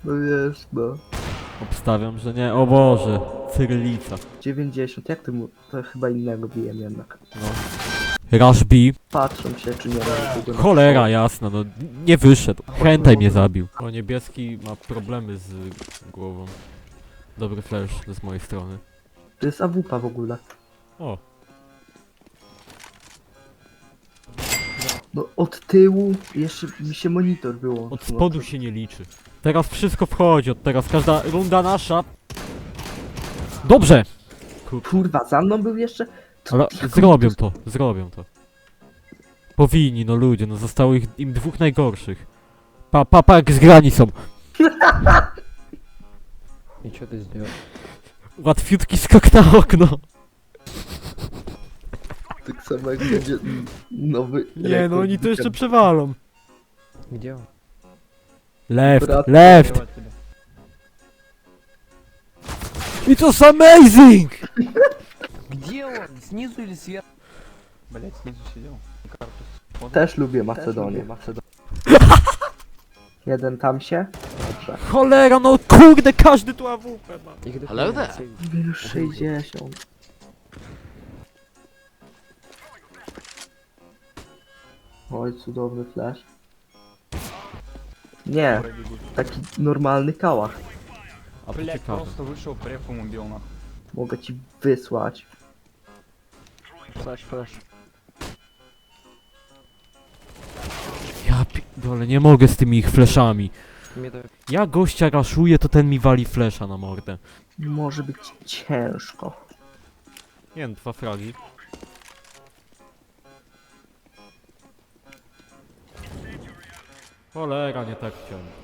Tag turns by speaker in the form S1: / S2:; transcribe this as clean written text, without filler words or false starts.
S1: No jest, no.
S2: Obstawiam, że nie. O Boże, cyrylica.
S1: 90, jak ty mu... To chyba innego bijem jednak.
S2: No. Rush B.
S1: Patrzą się, czy nie ma nikogo na
S2: Cholera
S1: przód.
S2: jasna, no nie wyszedł. Hentai mnie zabił. O, niebieski ma problemy z głową. Dobry flash z mojej strony.
S1: To jest AWP w ogóle.
S2: O,
S1: No od tyłu jeszcze mi się monitor wyłączył.
S2: od spodu się nie liczy. Teraz wszystko wchodzi, od teraz każda runda nasza. Dobrze!
S1: Kurwa, za mną był jeszcze?
S2: Ale zrobią to. Powinni, no ludzie, no zostało im dwóch najgorszych. Pa, jak zgrani są.
S3: И что ты сделал?
S2: Łatwiutki skok na okno.
S1: Tak samo jak będzie nowy
S2: Nie,
S1: rekord
S2: no oni to jeszcze
S1: weekend.
S2: przewalą.
S3: Где он?
S2: Left,
S1: Brat,
S2: left!
S3: Открывать тебя.
S2: It's amazing!
S3: Где он? Снизу или сверху? Блять, снизу сидел. Картус.
S1: Też lubię Macedonię. Jeden tam się? Dobrze.
S2: Cholera, no kurde, każdy tu AWP ma.
S3: Их
S4: Hello
S3: дохуя,
S4: there.
S3: сейв.
S1: Minus 60. Oj, cudowny flash. Nie, taki normalny kałach.
S2: A to
S5: Блять,
S2: ciekawe.
S5: просто вышел, префом убил нахуй.
S1: Mogę ci wysłać.
S3: Флэш, флэш.
S2: Ja dole, nie mogę z tymi ich flashami.
S3: Мне дают.
S2: Ja gościa raszuję, to ten mi wali flasha na mordę.
S1: Może być ciężko.
S2: Nie wiem, 2 fragi. Cholera, nie tak chciałem.